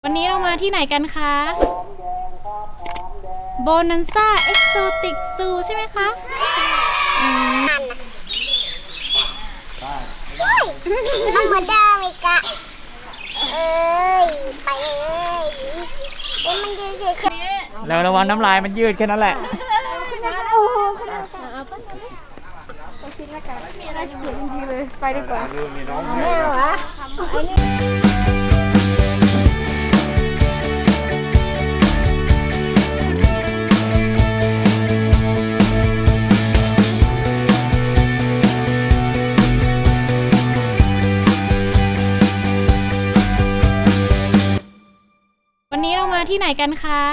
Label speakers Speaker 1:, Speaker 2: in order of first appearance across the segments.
Speaker 1: วันนี้เรามาที่ไหนกันคะโบนันซ่าเอ็กโซติกซูใช่ไหมคะ
Speaker 2: มันเหมือนเดิมอีกอะไปเดี๋ยวมันยืนเฉย
Speaker 3: แล้วระวังน้ำลายมันยืดแค่นั้นแหละ
Speaker 2: ๆ
Speaker 3: ไปดีกว่า
Speaker 2: แม่เหรอ
Speaker 1: วันนี้เรามาที่ไหนกันคะ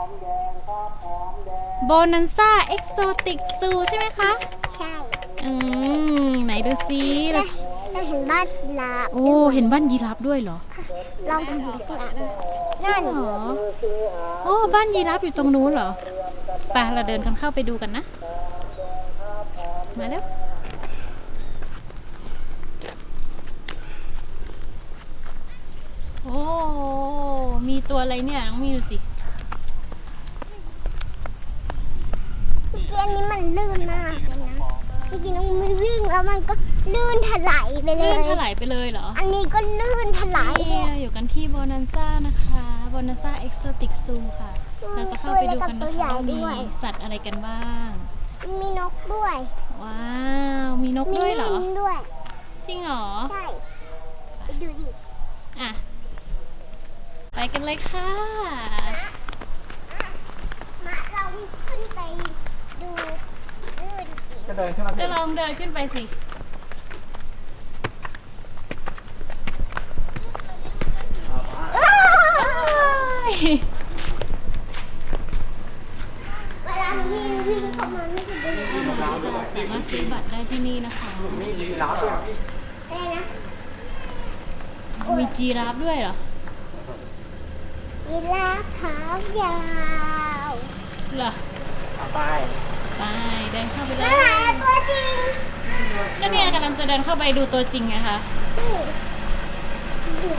Speaker 1: โบนันซ่าเอ็กโซติกซูใช่ไหมคะ
Speaker 2: ใช่
Speaker 1: ไหนดูซิเรา
Speaker 2: เราเห็นบ้านกีฬา
Speaker 1: โอ้เห็นบ้านยีราฟด้วยเหรอ
Speaker 2: ลองทำดูดีกว่านั่น
Speaker 1: เหรอโอ้บ้านยีราฟอยู่ตรงนู้นเหรอไปเราเดินกันเข้าไปดูกันนะมาแล้วโอ้มีตัวอะไรเนี่ยน้องมีดูสิ
Speaker 2: เมื่อกี้อันนี้มันลื่นมากเลยนะเมื่อกี้น้องมีวิ่งแล้วมันก็ลื่นถลายไปเล
Speaker 1: ลื่
Speaker 2: ย
Speaker 1: นถลายไปเลยเหรอ
Speaker 2: อันนี้ก็ลื่นถลาย
Speaker 1: นี่เราอยู่กันที่โบนันซ่านะคะโบนันซ่าเอ็กโซติกซูค่ะเราจะเข้าไปดูกันนะคะว่ามีสัตว์อะไรกันบ้าง
Speaker 2: มีนกด้วย
Speaker 1: ว้าวมีนก
Speaker 2: มี
Speaker 1: ด้วยเหรอ
Speaker 2: ลิงด้วย
Speaker 1: จริงเหรอ
Speaker 2: ใช่ไปดูดิ
Speaker 1: อ่ะไปกันเลยค่ะ
Speaker 2: มาเราขึ้นไปดูลื่นจริง
Speaker 3: ก็เดินขึ้นมา
Speaker 1: จะลองเดินขึ้นไปสิ
Speaker 2: เวลาวิ่งเข้ามาไม่จะดู
Speaker 1: เราจะสามารถซื้อบัตรได้ที่นี่นะคะ
Speaker 3: มียีราฟด้วย
Speaker 2: ได้นะ
Speaker 1: มีจีราฟด้วยเหรอ
Speaker 2: ยีราฟขายาว
Speaker 1: เหรอ
Speaker 3: เอาไป
Speaker 1: ไปเดินเข้าไปเล
Speaker 2: น่าย รักตัวจริง
Speaker 1: ก็เนี่ยกำลังจะเดินเข้าไปดูตัวจริงไงคะ
Speaker 2: เดี๋ยว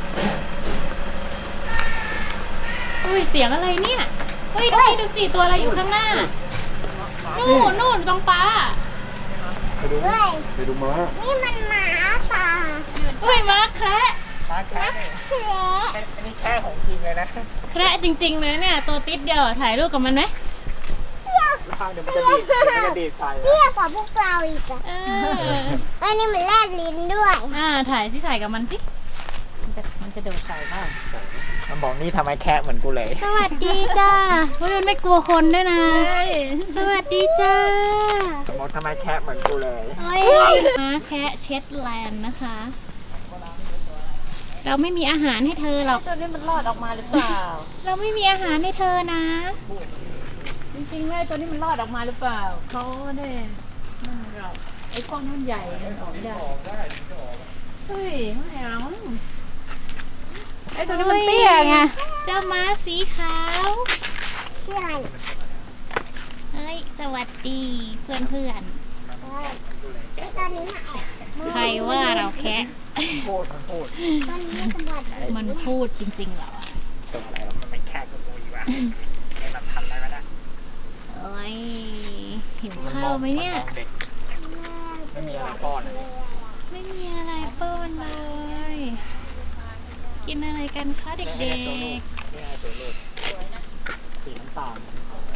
Speaker 1: อุ้ยเสียงอะไรเนี่ยเฮ้ยนี่ดูสิตัวอะไรอยู่ข้างหน้านู่นตรงป้า
Speaker 2: เฮ้ย
Speaker 3: ไปดูม้า
Speaker 2: นี่มันหมาป่า
Speaker 1: เฮ้ยมาแคระ
Speaker 3: ม้าแค่
Speaker 2: แคระ
Speaker 3: อันนี้แค่ของจริงเลยนะ
Speaker 1: แคระจริงๆเลยเนี่ยตัวติดเดียวถ่ายรูปกับมันไหม
Speaker 3: เดี๋ยวมันจะดีดเดี๋ยวมันจะดีดใส่
Speaker 2: เตี้ยกว่าพวกเราอีกอะ
Speaker 1: เออ
Speaker 2: เอ้ยนี่มันแลบลิ้นด้วย
Speaker 1: ถ่ายสิถ่ายกับมันสิมันจะโดดใส่บ้าง
Speaker 3: มันบอกนี่ทำไมแค่เหมือนกูเลย
Speaker 1: สวัสดีจ้าเฮ้ยมันไม่กลัวคนด้วยนะสวัสดีจ้า
Speaker 3: มันบอกทำไมแค่เหมือนกูเลย
Speaker 1: ม้าแคะเช็ดแลนด์นะคะ เราไม่มีอาหารให้เธอหรอก
Speaker 4: ตัวนี้มันรอดออกมาหรือเปล่า
Speaker 1: เราไม่มีอาหารให้เธอนะ
Speaker 4: จริงๆแล้วตัวนี้มันรอดออกมาหรือเปล่าเขาเนี่ยนั่นเราไอ้ก้อนมันใหญ่มันออกไม่ได้เฮ้ยไม่เอาไอ้ตัวนี้มันเตี้ยไง
Speaker 1: เจ้าม้าสีขาว
Speaker 2: ชื่ออะไร
Speaker 1: เฮ้ยสวัสดีเพื่อน
Speaker 2: ไอ้ตอนนี้มาแอบ
Speaker 1: ๆใครว่าเราแคะ
Speaker 3: พูดมันพูด
Speaker 2: ตอนนี้สมบัติ
Speaker 1: มันพูดจริงๆเหรอ
Speaker 3: ตัวอะไรวะมันไม่แค่กับกูอีกว่ะไอ้มันทำอะไรวะเนี่ย
Speaker 1: เอ้ยหิวข้าวไหมเนี่ย
Speaker 3: เด็กไม่มีอะไรป้อนอะ
Speaker 1: ไม่มีอะไรป้อนเลย กินอะไรกันคะเด็ก
Speaker 3: นี่ไงตัวลูกสีน้ำตาล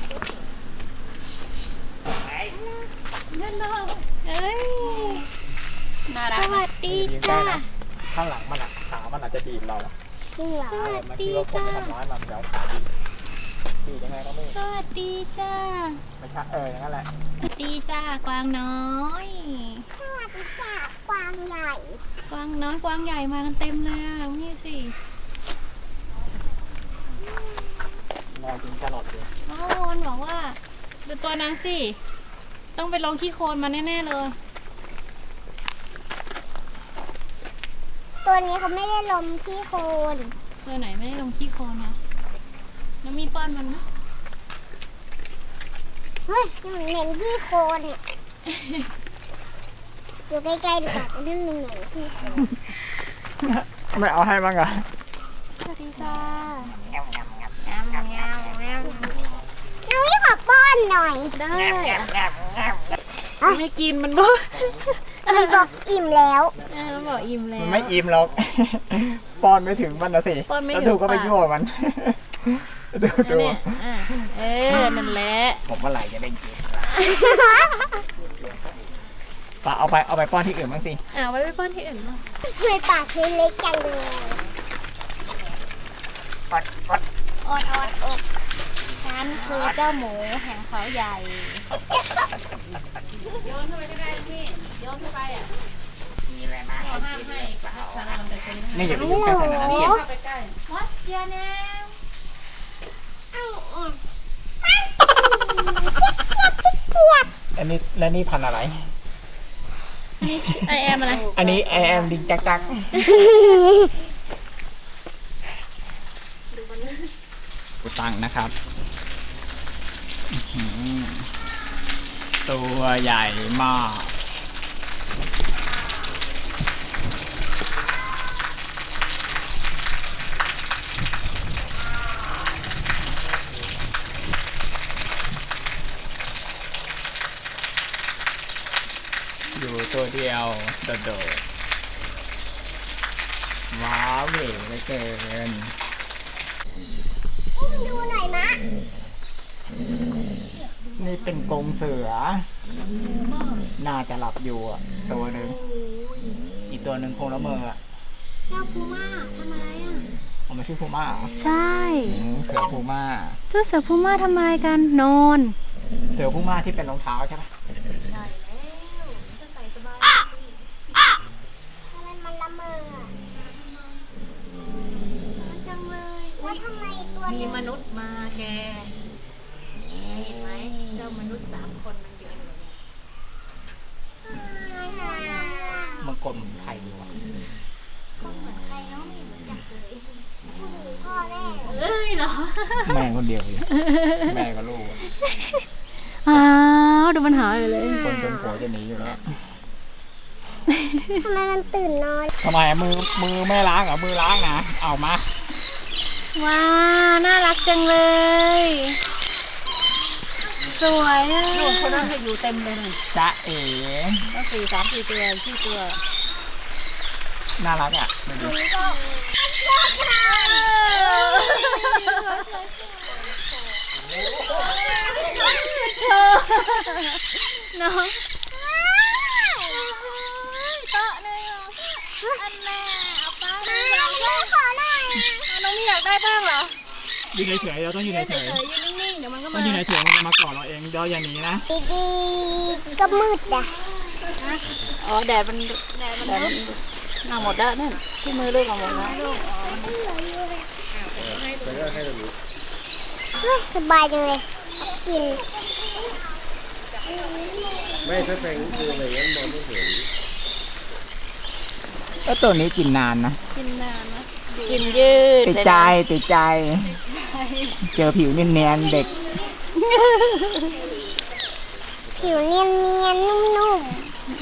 Speaker 1: ๆนั่นเราเอ้ย
Speaker 4: น่า
Speaker 1: ส
Speaker 4: รัก
Speaker 1: วัสดี
Speaker 3: ยืนใกล้
Speaker 1: จ้า
Speaker 3: นะข้างหลังมันอะขามันอาจจะดีดเราอะ
Speaker 2: จริงเหรอ
Speaker 1: สวัส
Speaker 3: มัน
Speaker 1: ดี
Speaker 3: คิดว่าคน
Speaker 1: จ้า
Speaker 3: จะทำร้ายมันเดี๋ยวขาดีดยังไงก็ไม่
Speaker 1: สวัสดีจ้า
Speaker 3: ไม่ใช่อย่างนั้นแหละ
Speaker 1: สวัสดีจ้ากวางน้อย
Speaker 2: สวัสดีค่ะกวางใหญ่
Speaker 1: กวางน้อยกวางใหญ่มากันเต็มเลยอ่ะนี่สิ
Speaker 3: นอนกินแครอทอยู่
Speaker 1: โอ้มันบอกว่าดูตัวนางสิ ต้องไปลงขี้โคลนมาแน่ๆเลย
Speaker 2: ตัวนี้เขาไม่ได้ลมที่โคน
Speaker 1: ตัวไหนไม่ได้ลงขี้โคลนนะแล้วมีป้อนมันไหม
Speaker 2: เฮ้ยนี่มันเหม็นที่โคนเนี่ยอยู่ใกล้ๆดีกว่านั่นมันเหม็นที่โคน
Speaker 3: ไม่เอาให้บ้างเหรอ
Speaker 1: สวัสดีจ้า
Speaker 2: น้องนี่ขอป้อนหน่อย
Speaker 1: ได้ไม่กินมันบอก
Speaker 2: มันบอกอิ่มแล้ว
Speaker 1: มันบอกอิ่มแล้ว
Speaker 3: มันไม่อิ่มหรอก ป้อนไม่ถึงมันนะสิ
Speaker 1: ป้อนไม่ถึง
Speaker 3: แล้วดูก็ไปยั่วมัน ดู
Speaker 1: เนี่ยนั่นแหละ
Speaker 3: ผมเมื่อไหร่จะได้กินปะเอาไปป้อนที่อื่นบ้างสิ
Speaker 1: ไว้ป้อนที่อื่นบ้าง
Speaker 2: ทำไมปากเธอเล็กจังเลย
Speaker 3: ป้อนป้อน
Speaker 1: ออดอกฉันคือเจ้าหมูแห่งเขาใหญ่
Speaker 4: โยนเข้าไปก็ได้พี่โยนเข้าไปอ่ะ
Speaker 3: มีอะไรมา
Speaker 4: ห้าม
Speaker 3: ให้กิน
Speaker 4: ให้สารมันเป็น
Speaker 3: นี่อย่าไปยุ่งกันนะ
Speaker 4: นี่
Speaker 3: เนี่ย
Speaker 4: เข้าไปใกล้
Speaker 1: What's your name
Speaker 3: อันนี้และนี่พันธุ์อะไร
Speaker 1: I am อะไร
Speaker 3: อันนี้ไอแอมดิงจักจักกูตังนะครับอื้อหือตัวใหญ่มาก อยู่ตัวเดียวโดดๆว้าวเหวเหลยเกิน
Speaker 2: อุ้มดูหน่อยมะ
Speaker 3: นี่เป็นกรงเสือ น่าจะหลับอยู่อ่ะ ตัวหนึ่งอีกตัวหนึ่งคงละเมออ่ะ
Speaker 1: เจ้าพูม่าทำอะไรอ่ะ
Speaker 3: เอามาชื่อพูม่าเหรอ
Speaker 1: ใช่
Speaker 3: เสือพูม่า
Speaker 1: เจ้าเสือพูม่าทำอะไรกันนอน
Speaker 3: เสือพูม่าที่เป็นรองเท้าใช่ปะ
Speaker 1: ใช่แล้วก็ใส่สบาย
Speaker 2: ทำไมมันละเมอ
Speaker 1: จังเลย
Speaker 2: แล้วทำไมตัว
Speaker 1: มี
Speaker 2: นี้
Speaker 1: มนุษย์มาแกเห็นไหมเจ้ามนุษย์3 คนมันยืนอยู่เนี่ย
Speaker 3: มันกลมไทยดีว่ะ
Speaker 1: ก็เหมือนใครเนาะไม่เหมือนจักเลย
Speaker 2: พ่อแม่
Speaker 1: เอ้ยเหรอ
Speaker 3: แม่คนเดียวเลยแม่กับลูกอะ
Speaker 1: อ้าวดูมันหายไปเลย
Speaker 3: คนจนโผจะหนีอยู่แล้ว
Speaker 2: ทำไมมันตื่นนอน
Speaker 3: ทำไมอะมือไม่ล้างเหรอมือล้างนะเอามา
Speaker 1: ว้าว น่ารักจังเลย สวยอ่ะ
Speaker 4: ลูกคนนั้นจะอยู่เต็มเลย
Speaker 3: จ๊ะเอ๋
Speaker 4: ต้อง4 ตัวที่ตัว
Speaker 3: น่ารักอ่ะดูดิ
Speaker 1: น้องโต๊ะเลยอ่ะอันแน่เอาไป
Speaker 2: ขอหน่อย
Speaker 1: น้องไม่อยากได้บ้างเหรอ
Speaker 3: อยู่เฉยๆเราต้องอยู่เฉย
Speaker 1: เฉยๆยืนนิ่งๆ เดี๋ยวมันก็
Speaker 3: ๆต้
Speaker 1: มา
Speaker 3: องอยู่เฉยๆมันจะมาก่อเราเองเดี๋ยวอย่างนี้นะ
Speaker 2: ดีๆก็มืดอ่ะ
Speaker 4: อ๋อแดดมันหน้าหมดแล้วนั่นที่มือลูกเอาหมดแล้ว
Speaker 2: สบายจังเลยกิน
Speaker 3: แล้วตัวนี้กินนานนะ
Speaker 1: กินนานนะ
Speaker 4: กินยืด
Speaker 3: ติดใจติดใจ เจอผิวเนียนๆเด็ก
Speaker 2: ผิวเนียนๆนุ่ม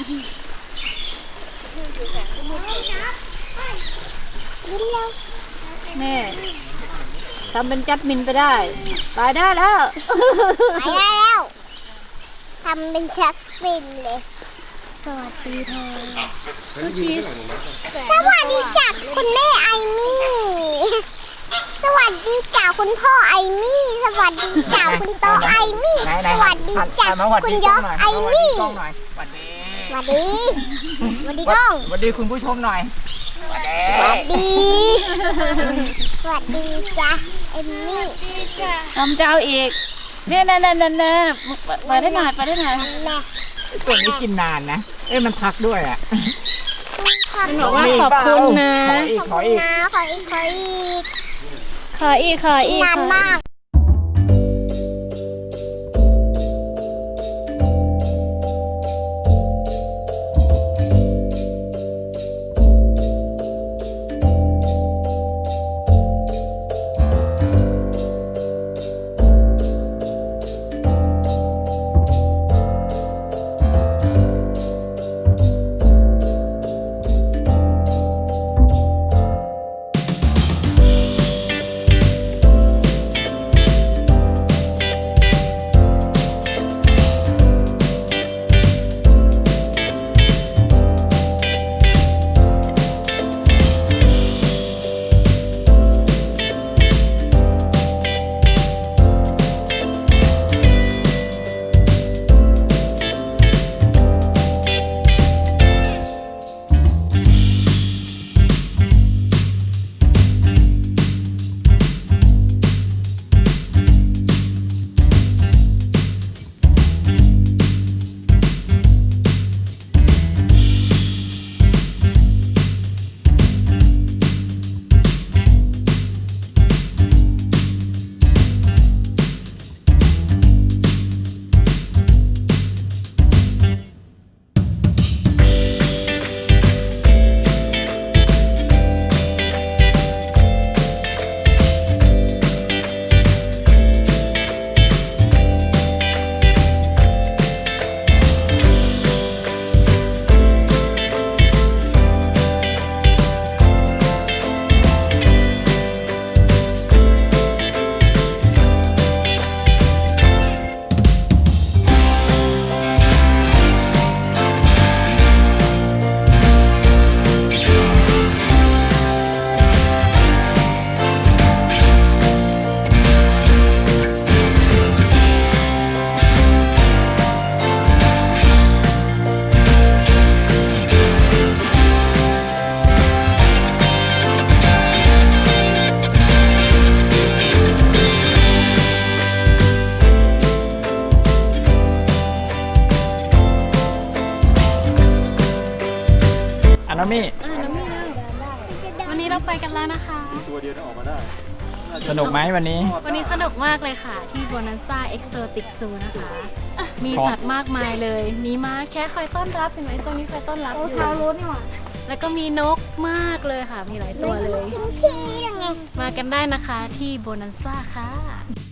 Speaker 2: ๆยิ้มแล้ว
Speaker 4: แม่ทำเป็นจัดมินไปได้ไปได้แล้ว
Speaker 2: ไปได้แล้วทำเป็นชัสปินเลย
Speaker 1: สวัสดีเธอ
Speaker 2: สวัสดีจากคุณแม่ไอมี่ สวัสดีจากคุณพ่อไอมี่ สวัสดีจากคุณโตไอมี่
Speaker 3: ไหน
Speaker 2: ส
Speaker 3: ๆ
Speaker 2: วัสดีจาก
Speaker 3: หันมาหวัด
Speaker 2: คุณ
Speaker 3: ดี
Speaker 2: ย
Speaker 3: กล้อง
Speaker 2: ก
Speaker 3: หน่อย
Speaker 2: ไอมี่
Speaker 3: กล้องหน่อยหวัดดี
Speaker 2: สวัสดีสวัสดีกล้อง
Speaker 3: หวัดดีคุณผู้ชมหน่อยหวัดดี
Speaker 2: สวัสดี สวัสดีจ้ะไอมี่
Speaker 4: ทำเจ้าอีกเนี่ยนั่นไปได้หน่อยไปได้หน่อย
Speaker 2: แม่
Speaker 3: ตัวนี้กินนานนะ เอ้ยมันพักด้วยอ่ะ
Speaker 1: มันบอกว่าขอบคุณนะ
Speaker 3: ขออีกขออีก
Speaker 2: นะขออีก
Speaker 1: ขออีก
Speaker 2: นานมาก
Speaker 3: มี่
Speaker 1: น้ำมี่นะวันนี้เราไปกันแล้วนะคะ
Speaker 3: สนุกไหมวันนี้
Speaker 1: วันนี้สนุกมากเลยค่ะ ที่โบนัสซ่าเอ็กโซติกซูนะคะ มีสัตว์มากมายเลย มีม้าแค่คอยต้อนรับเห็นไหมตรงนี้คอยต้อนรับอยู่แล้วก็มีนกมากเลยค่ะ มีหลายตัวเลย
Speaker 2: กินทียังไง
Speaker 1: มากันได้นะคะที่โบนัสซ่าค่ะ